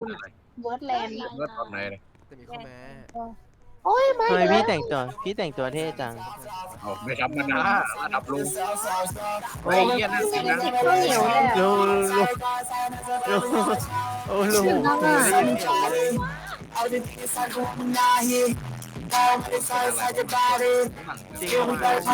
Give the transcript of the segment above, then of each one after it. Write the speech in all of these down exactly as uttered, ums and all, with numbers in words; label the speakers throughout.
Speaker 1: คุณเวิร์ดแลนด์
Speaker 2: เมื่อตอนไหนเลย
Speaker 3: แต่มีข้อแม้
Speaker 1: โอ้ยไม่
Speaker 4: ทำไม
Speaker 1: เล
Speaker 4: พี่
Speaker 1: ย
Speaker 4: แต่งตัวพี่แต่งตัวเท่จัง
Speaker 2: เอาไม่ธรรมดาระดับลุงเฮ้ยเฮียนั่นจริงนะ
Speaker 1: ข้าวเหนียวเลย
Speaker 4: ลุงลุงลุงโอ้ลุง
Speaker 1: ถึงแล้วอ่ะ
Speaker 4: ได้ยินเสียงเลย
Speaker 3: จริง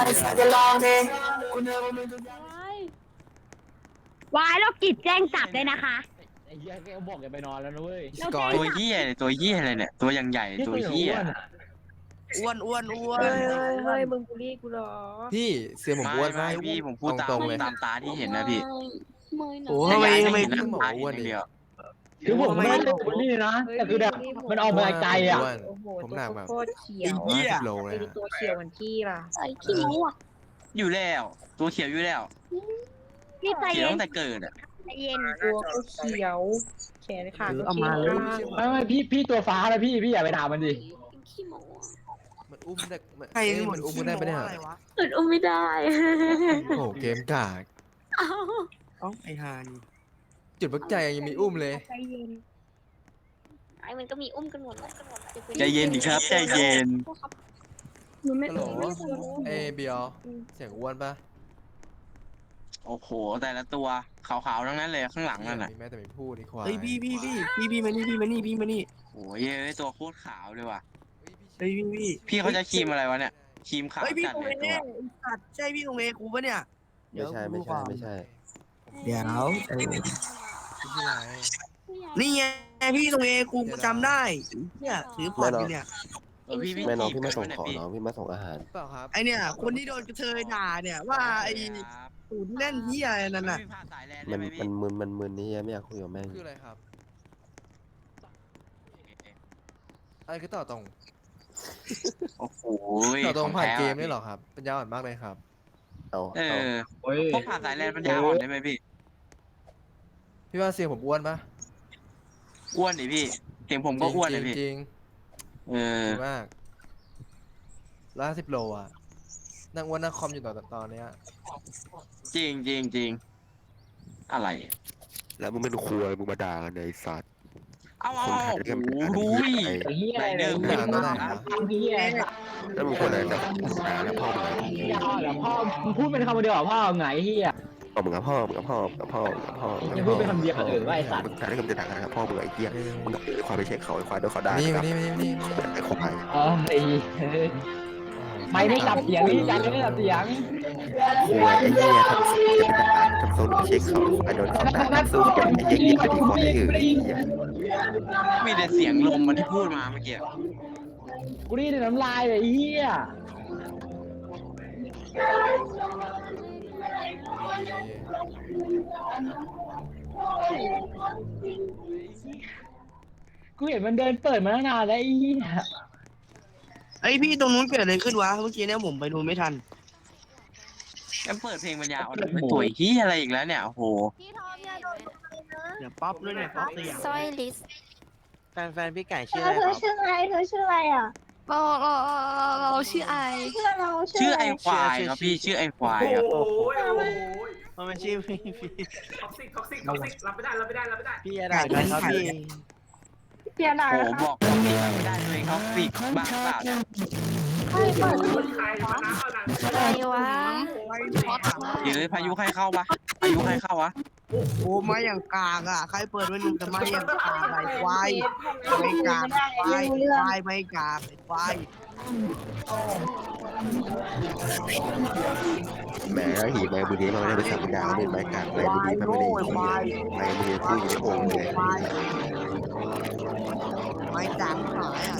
Speaker 3: ๆ
Speaker 5: วายโรคจิตแจ้งจับเลยนะคะ
Speaker 6: ไอ้เหี้ยแกบอกแกไปนอนแล้วนะเว้ย
Speaker 4: สกอย
Speaker 7: ตัวเหี้ยตัวเหี้ยอะไรเนี่ยตัวยังใหญ่ตัวเหี้ย
Speaker 8: อ้วนอ้วนอ้วน
Speaker 1: เฮ้ยเฮ้ยเฮ้ยมึงบูลลี่กูเหรอ
Speaker 3: พี่เสียงผม
Speaker 7: ไม่
Speaker 3: อ้วน
Speaker 7: ไม่
Speaker 3: มาก
Speaker 7: พี่ผมพูดตาม
Speaker 3: ตรงๆเลย
Speaker 7: ตามตาที่เห็นนะพี่
Speaker 8: โอ้
Speaker 7: แต่
Speaker 8: ทำไม
Speaker 7: ยาย
Speaker 8: ทำไม
Speaker 7: ไม่เห็นนะ
Speaker 3: พี่บอก
Speaker 7: ตา
Speaker 3: อ้วน
Speaker 7: เห็นอย่างเดียว
Speaker 6: คือผมไม่ได้บูลลี่นะแต่คือแบบมันออกมาไกลอ่ะ
Speaker 3: อ้วน
Speaker 1: โอ้โห
Speaker 3: ผมหนักแบบ
Speaker 1: โคตรเขีย
Speaker 8: ไอ้
Speaker 1: ว
Speaker 8: เหี้ย
Speaker 3: สิบโลเลย
Speaker 1: ไอ้
Speaker 3: อะ
Speaker 1: ตัวเขียวเหมือนพี่ล่ะ
Speaker 5: ไอ้ขี้หมูอ่ะ
Speaker 7: อยู่แล้วตัวเขียวอยู่แล้ว
Speaker 5: พี่ใจ
Speaker 7: เขียว
Speaker 5: เย็น
Speaker 7: ตั้งแต่เกิดอ่ะ
Speaker 5: ใจเย็น
Speaker 1: ตัวก็เขียว แขนขาก็
Speaker 8: เอา
Speaker 1: เขี
Speaker 8: มา
Speaker 1: ยว
Speaker 8: เลย
Speaker 6: ไม่ไม่พี่พี่ตัวฟ้าแล้วพี่พี่อย่าไปด่ามันดิ
Speaker 5: ขี้หมู
Speaker 3: มันอุ้มได้มัน
Speaker 8: ใคร
Speaker 3: เอ้ย
Speaker 8: หม
Speaker 3: มั
Speaker 8: ด
Speaker 3: นอุ้มไม่ได้ปะเนี่ย
Speaker 8: อะไรวะ
Speaker 5: เปิดอุ้มไม่ได้
Speaker 3: โอ้โหเกมกาก
Speaker 5: เอ้า
Speaker 8: เอ้าไอ้ฮานี่
Speaker 3: จุดพักใจยังมีอุ้มเลย
Speaker 5: ใจเย็นไอ้มันก็มีอุ้มกันหมดแล้ว
Speaker 7: ใจเย็นดิครับใจเย็น
Speaker 5: หนูไม่
Speaker 3: ฮัลโหล
Speaker 5: ไม่สน
Speaker 3: เอ้ยเบียร์เสียงอ้วนปะ
Speaker 7: โอ้โหแต่ละตัวขาวๆทั้งนั้นเลยข้างหลังนั่นน่ะ
Speaker 3: มีแม่แต่ไม่พูดดีกว่า
Speaker 8: เฮ้ยพี่พี่พี่พี่พี่มานี่พี่มานี่พี่มานี่
Speaker 7: โอ้ยเอ้ยตัวโคตรขาวเลยว่ะ
Speaker 8: เฮ้ยพี่พี่
Speaker 7: พี่เขาจะครีมอะไรวะเนี่ยครีมขาว
Speaker 8: เฮ้ยพี่
Speaker 7: จัด
Speaker 8: ตรง
Speaker 7: เลย
Speaker 8: เอ
Speaker 7: ตัว
Speaker 8: ไอ้สัตว์ใช่พี่ตรงเอกูปะเนี่ย
Speaker 4: ไม่ใช่ไม่ใช่ไม่ใช่
Speaker 8: เดี๋ยวเออ
Speaker 3: พี่ที่ไหน
Speaker 8: นี่ไงพี่ตรงเอกูกูจำได้เนี่ยถือพอร์ตอยู่เนี่ย
Speaker 7: เออพี่พี่
Speaker 4: แม่น้อง
Speaker 7: ครี
Speaker 4: พี่มาส่ง
Speaker 7: กั
Speaker 4: ของ
Speaker 7: นวะ
Speaker 4: น้องพี่มาส่งอาหาร
Speaker 3: เปล่าครับ
Speaker 8: ไอเนี่ยคนที่โดนกระเทยด่าเนี่ยว่าไอ้
Speaker 7: เนี่ยครับ
Speaker 8: ศูนย์เล่นที่อะไรนั่นน่ะ
Speaker 7: พี่พาสายแลนด์
Speaker 4: มั
Speaker 7: ได้
Speaker 4: น
Speaker 7: ไหม
Speaker 4: มั
Speaker 7: พี่
Speaker 4: นมึนมันมึนนี่ไม่อยากคุยกับแม่ง
Speaker 3: คืออะไรครับอะไรคือต่อตรง
Speaker 7: โอ้โห
Speaker 3: ต่อตรงผ่าน
Speaker 7: ขอ
Speaker 3: เก
Speaker 7: แท้
Speaker 3: มนี่เหรอครับปัญญาอ่อนมากเลยครับ
Speaker 4: เอา
Speaker 7: เอ
Speaker 4: เอา
Speaker 7: อ
Speaker 2: โอ้ย
Speaker 7: พวกผ่านสายแลนด์ปัญญาอ่อนได้ไหมพี่
Speaker 3: พี่ว่าเสียงผมอ้วนปะ
Speaker 7: อ้วนดิพี่เสียงผมก็อ้วนเลยพี่
Speaker 3: จริง
Speaker 7: เอ
Speaker 3: ๆ
Speaker 7: อ
Speaker 3: จริงมากร้อยห้าสิบโลอ่ะนั่งอ้วนนั่งคอมอยู่ตอนตอนเนี้ย
Speaker 7: จริงจริงจริงอะไร
Speaker 4: แล้วมึงเป็นครัวมึงมาด่ากันในสัตว์
Speaker 7: เอาเอา
Speaker 4: คนไท
Speaker 7: เอา
Speaker 4: ยก็ไม่
Speaker 7: โอ้
Speaker 4: ได้
Speaker 7: โห
Speaker 6: ไอ้เหี้ย
Speaker 7: ไรเดอร์
Speaker 3: ด่าตอนไหนนะ
Speaker 6: เหี้ย
Speaker 4: แล้วมึงคนอะไรนะด่าแล้วพ่อมึงไง
Speaker 6: พ่อเหรอพ่อมึงพูดเป็นคำเดียวเหรอพ่อไงเหี้ย
Speaker 4: พ่อมึงกับพ่อมึงกับพ่อมึงกับพ่อมึงกับพ่อมึง
Speaker 6: ยังพูดเป็นคำเดียวเออว่าไอ้สัตว์
Speaker 4: มึงด่าได้คำจะด่ากันนะครับพ่อมึงไอ้เหี้ยมึงกับควายไปเช็คเขาไอ้ควายโดนเขาด่า
Speaker 3: นี่
Speaker 4: ค
Speaker 3: มา
Speaker 4: รับ
Speaker 3: นี่มานี่มานี่มานี่
Speaker 4: ไอ้ควาย
Speaker 6: เออไอ้ไม่ไม่จับเสียงนี่จับไม่จับเสียง
Speaker 4: ควายไอ้เหี้ยทำสู้จะเป็นทหารทำสู้ไปเช็คเขาไอ้ควายโดนเขาด่าทำสู้เป็นไอ้เหี้ยไอ้ที่ควายอื่นไอ้เหี้ย
Speaker 7: มีแต่เสียงลมมันที่พูดมาเมื่อกี้
Speaker 6: กูนี่น้ำลายเลยไอ้เหี้ยกูเห็นมันเดินเปิดมาตั้งนานแล้วไอ้เหี้ย
Speaker 8: ไอ้พี่ตรงนู้นเกิดอะไรขึ้นวะเมื่อกี้เนี่ยผมไปดูไม่ทัน
Speaker 7: แล้วเปิดเพลงปัญญาอ่อนเป็นตัวที่อะไรอีกแล้วเนี่ยโอ้โห
Speaker 5: พี่ทอมอย่าโดน
Speaker 8: เดี๋ยวป๊อปด้วยเนี่ยป๊อปสยาม
Speaker 5: สร้อยลิส
Speaker 4: แฟนแฟนพี่ไก่ชื่อ
Speaker 5: เธ
Speaker 4: อะไร
Speaker 5: อ
Speaker 4: ครับ
Speaker 5: ชื่ออะไรเธอชื่ออะไรอ่ะเราเราเราชื่อไอชื่อเรา
Speaker 7: ชื่อไอควายครับพี่ชื่อไอควายครับ
Speaker 9: โอ้ยโอ้ย
Speaker 4: มันไม่ชื่อพี่พี่
Speaker 9: ท็อกซิกท็อกซิกท็อกซิกรับไม่ได้รับไม่ได้รับไม่ได้
Speaker 4: พี่อะไรนะครับพี่
Speaker 1: เปลี่ยนหนัง
Speaker 7: โอ้โหบอกท็อกซิกไม่ได้เลยท็อกซิกบ้าเปล่าเนี่ย
Speaker 1: ใช่เปิด
Speaker 9: คนใครมาน้ำเอาหนัง
Speaker 5: อะไรวะ
Speaker 7: เดี๋ยวพายุใครเข้าวะพายุใครเข้าวะ
Speaker 8: โอ้มาอย่างกากอ่ะใครเปิดไว้หนุ่มจะมาอย่างกากไอ้ควายไม่กากควายควายไม่กากไอ้ควาย
Speaker 4: แหมหีไม้บุรีมาไม่ได้ไปสั่งดาวเล่นไม้กากไม้บุรีมันไม่ได้หีไม้บุรีพูดอยู่ในโอ่งเลย
Speaker 8: ควายไม่กากหายอ่ะ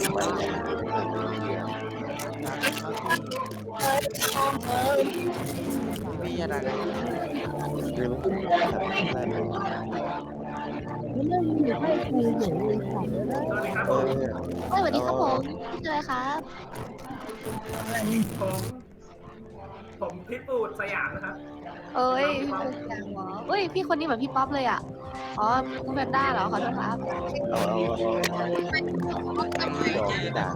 Speaker 4: พี่อะไรกันเรื่องได้ไหม
Speaker 1: เรื่องอยู่ให้ครูเห็นเลยค่ะ
Speaker 9: สวัสดีครับ
Speaker 4: เอ
Speaker 9: ผม
Speaker 4: อ
Speaker 5: เฮ้ยสวัสดีครับผมพี่เจอครับ
Speaker 9: ผมผมพิปูดสยามนะครับ
Speaker 5: เอ้ยพี่คนแก่หรอเฮ้ยพี่คนนี้เหมือนพี่ป๊อปเลยอ่ะอ๋อคุณแพนด้าเหรอขอโทษครับ
Speaker 4: เอาเอาด่า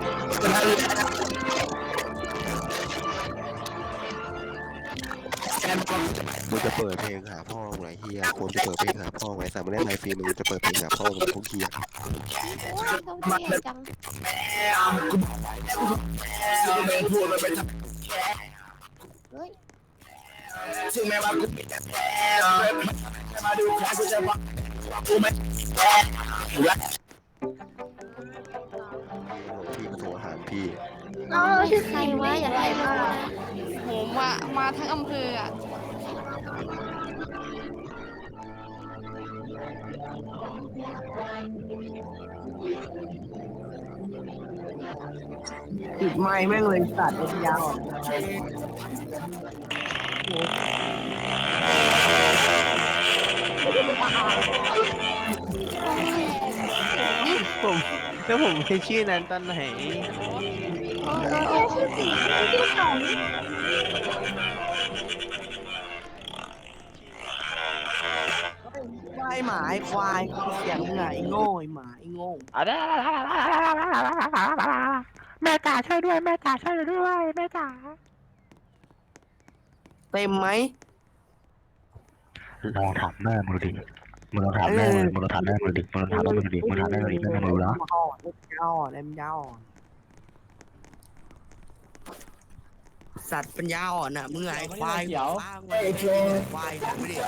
Speaker 8: แก
Speaker 4: มึงจะเปิดเพลงหาพ่อมึงไอ้เฮียควรจะเปิดเพลงหาพ่อไงแต่ไม่ได้ไลฟ์ฟรีมึงจะเปิดเพลงหาพ่อมึงพวกเฮีย
Speaker 5: โอ้ยเขาเท่จังเฮ้ย
Speaker 4: พี่ก็โทรหาพี่
Speaker 5: เออใครวะอย่าให้มานะ
Speaker 10: โหมามาทั้งอำเภออ่ะ
Speaker 8: ติดไม้แม่งเลยสัตว์เป็นยาว
Speaker 3: ผมแล้วผมเป็นชื่อนั้นตอนไหน
Speaker 8: ควายหมาไอ้ควายเสียงมึงไงไอ้โง่ไอ้หมาไอ้โง่
Speaker 4: แม่จ๋าช่วยด้วยแม่จ๋าช่วยด้วยแม่จ๋า
Speaker 8: เต็มไหม
Speaker 4: ลองถามแม่มึงดิมึงลองถามแม่มึงมึงลองถามแม่มึงดิมึงลองถามแม่มึงดิมึงถามแม่มึงดิแม่มึงรู้แล้ว
Speaker 8: อ่อนเล็บยาวอ่อนเล็บยาวอ่อนสัตว์ปัญญาอ่อนอ่ะมึงไงควายหัวฟ้ามึงควายหัวไม่ได้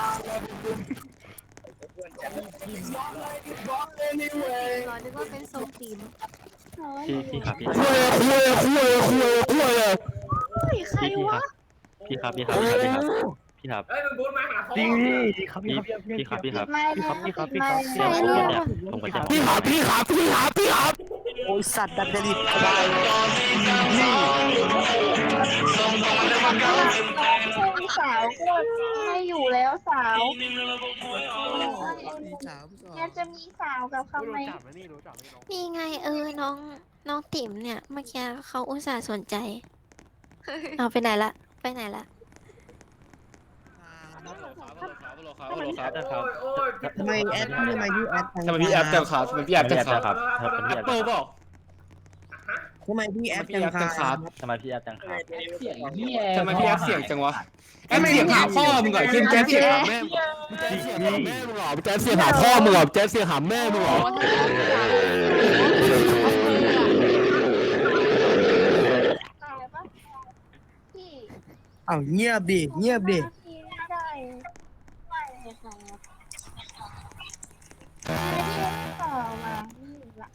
Speaker 5: รอนึกว่าเป็นทรงตีน
Speaker 11: พี่พี่ครับพี่
Speaker 8: คุยคุยคุยคุยคุยเลย
Speaker 5: เฮ้ยใครวะ
Speaker 11: พี่ครับพี่ครับพี่ครับพี่ครับ
Speaker 9: เฮ้ยมึงบูทมาหาพ่อ
Speaker 3: จริงพี่ครับ
Speaker 11: พี่พี่ครับพี่ครับ
Speaker 5: พี่ครับพี่ครับพี่ครับ
Speaker 11: พี่ครับผมเนี่ยผมก็จะ
Speaker 8: พี่ครับพี่ครับพี่ครับพี่ครับโอ้ยสัตว์ดัดจริตควายนี่
Speaker 10: สาวก็ไม่อยู่แล้วสาวยังจะมีสาวกับเขาไหม
Speaker 5: นี่ไงเออน้องน้องติ๋มเนี่ยเมื่อกี้เขาอุตส่าห์สนใจเอาไปไหนละไปไหนละ
Speaker 8: ทำไมแอดทำไมพี่แอด
Speaker 3: ทำไมพี่แอปจังครับทำไมพี่แอปจังครับ
Speaker 11: ครับเป็นพี่แอป
Speaker 3: เปิดบอก
Speaker 8: ทำไมพี่แอด
Speaker 3: พี่แอปจังครับ
Speaker 11: ทำไมพี่แอปจังครับ
Speaker 6: เสียงเฮีย
Speaker 3: ทำไมพี่แอปเสียงจังวะแอปเสียงหาพ่อมึงก่อนขึ้นแจ๊สเสียงหาแม่มึงหรอแจ๊สเสียงหาพ่อมึงหรอแจ๊สเสียงหาแม่มึงหรอ
Speaker 10: พี่
Speaker 8: อ้าวเงียบดิเงียบดิ
Speaker 10: พี่ไม่ได้ไม่เลยค่ะต่อมาละ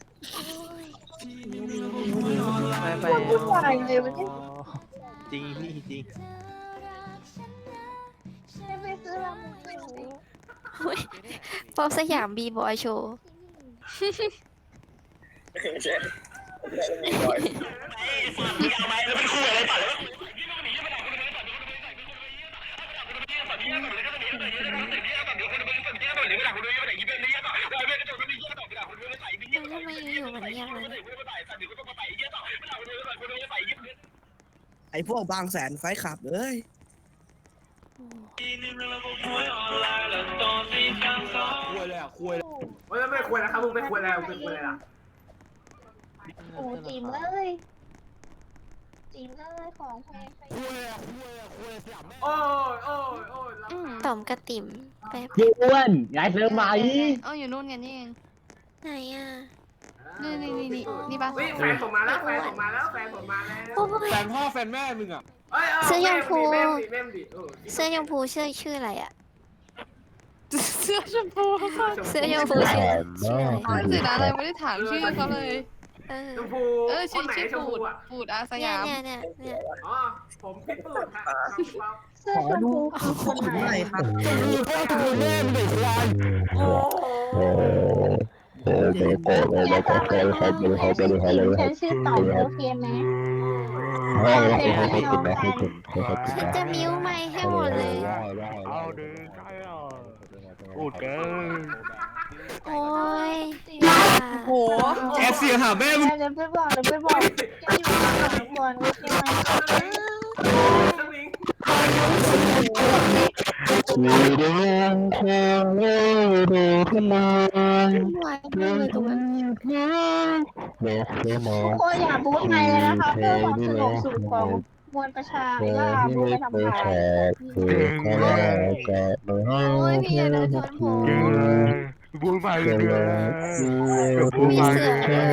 Speaker 3: ไปไป
Speaker 10: พูดอะไรเลยมันจะ
Speaker 3: จริงพี่จริง
Speaker 10: ไม่ไปซื้อลำหนู
Speaker 5: ป๊อปสยามบีบอยโชว์ ทำไมอยู่ๆมันเงียบเลย
Speaker 8: ไอ้พวกบางแสนไฟขับเอ้ย
Speaker 3: คุยเลยอ่ะคุยเลย
Speaker 9: เฮ้ยไม่ควรนะครับมึงไม่ควรแล้วมึงควรอะไรล่ะ
Speaker 10: โอ้จีมเลยจีมเลยของแพงไป
Speaker 9: โอ้ยโอ้ยโอ้ย
Speaker 5: อืมต่อมกระติ๋มไป
Speaker 6: พี่อ้วนย้ายเซิร์ฟมาอี
Speaker 10: เอออยู่นู่นกันนี่เอง
Speaker 5: ไหนอ่ะ
Speaker 10: นี่นี่นี่นี่นี่ปะ
Speaker 9: เฮ้ยแฟนผมมาแล้วแฟนผมมาแล้วแฟนผมมาแล้ว
Speaker 5: โอ้ย
Speaker 3: แฟนพ่อแฟนแม่มึงอ่ะ
Speaker 9: เอ้ย
Speaker 5: เสื้อยมพู
Speaker 9: แม่ดิแม่ดิเออ
Speaker 5: เสื้อยมพูชื่อชื่ออะไรอ่ะ
Speaker 10: เสื้อชมพู
Speaker 5: เสื้อยมพูชื่อชื่ออะไร
Speaker 10: เสียดายเลยไม่ได้ถามชื่อเขาเลย
Speaker 5: เออ
Speaker 9: ชมพู
Speaker 10: เออ
Speaker 9: ค
Speaker 10: ชื่
Speaker 9: น
Speaker 10: อ
Speaker 9: ไหน
Speaker 10: ชื่อ
Speaker 9: ชม
Speaker 10: ปู
Speaker 9: พู
Speaker 10: ด
Speaker 9: อ่ะ
Speaker 10: ปูดอาส
Speaker 5: เนี่ย
Speaker 10: ยาม
Speaker 5: เนี่ยเนี่ยเนี่ย
Speaker 9: อ๋อผมพี่ปูดครับ
Speaker 8: ขอดูคนหน่อยครับ
Speaker 3: พ่อดูแม่มึงเด็กควาย
Speaker 10: ฉันชื่อต่อโอเคไหม
Speaker 5: ฉันจะมิ้วไม่ให้หมดเลย
Speaker 3: เอาดึงใช่หรอพูดเกิน
Speaker 5: โอ้ย
Speaker 10: โห
Speaker 3: แอปเสียงหาแม่มึง
Speaker 10: เดี๋ยวไปบอกเดี๋ยวไปบอกจะอยู่ข้างหลังก่อนโอเคไหม
Speaker 9: สวิง
Speaker 4: มีเรื่องเธอเล่าดูทำไม
Speaker 5: วายเลยตรงนั้น
Speaker 4: เมื่อเธอมอง
Speaker 10: ทุกคนอย่าบู๊ไทยเลยนะคะเพื่อความสงบสุขของมวลประชาว่ามวลทำขาย
Speaker 5: โอ้ยพี่อย่าเดินชนผม
Speaker 3: บูมไปเลย
Speaker 5: มีเสือ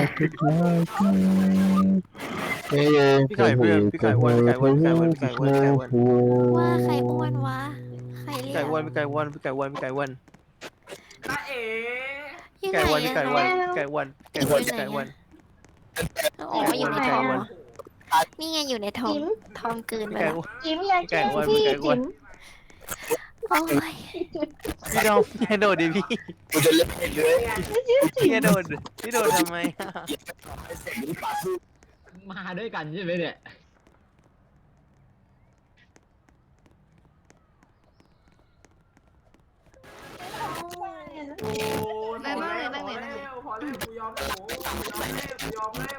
Speaker 5: เลย
Speaker 3: พี่ไก่เพื่อนพี่ไก่อ้วนพี่ไก่อ้วนพี่ไก่อ้วนพี่ไก่อ้วนพี่ไก่อ้วน
Speaker 5: ว่าใครอ้วนวะใคร
Speaker 3: พี่
Speaker 5: เรีย
Speaker 3: ไก่
Speaker 5: ก
Speaker 3: อ้วนพี่ไก่อ้วนพี่ไก่อ้วนพี่ไก่อ้วน
Speaker 9: ตาเอ๋
Speaker 5: ยัง
Speaker 3: ไก่
Speaker 5: ไง
Speaker 3: อ้วนพี่ไก่อ้วน
Speaker 5: อะ
Speaker 3: พี่ไก่อ้วนพี่ไก่อ้วนพี่ไก่อ้วน
Speaker 5: อ๋ออยู่ในท้องเหรอนี่ไงอยู่ในท้องท้องเกิน
Speaker 3: พี่
Speaker 5: ไป
Speaker 3: ไก่
Speaker 5: แล้ว
Speaker 3: อ้วน
Speaker 10: จิ๋มอย่า
Speaker 3: ไก่
Speaker 10: แกล้ง
Speaker 3: อ้วน
Speaker 10: พี่
Speaker 3: ไก่อ้ว
Speaker 10: จิ๋
Speaker 3: น
Speaker 10: ม
Speaker 5: โอ้ย
Speaker 3: พี่โดนพี่โดนดิพี่
Speaker 4: กูจะเล่นเลย
Speaker 3: พี่โดนพี่โดนทำไม
Speaker 6: มาด้วยกันใช่ไหมเนี่ย
Speaker 9: โอ้นั่งเลยนั่งเลยนั่งเลยพอแล้วกูยอมแล้วกูยอมแล้วกูยอมแล้ว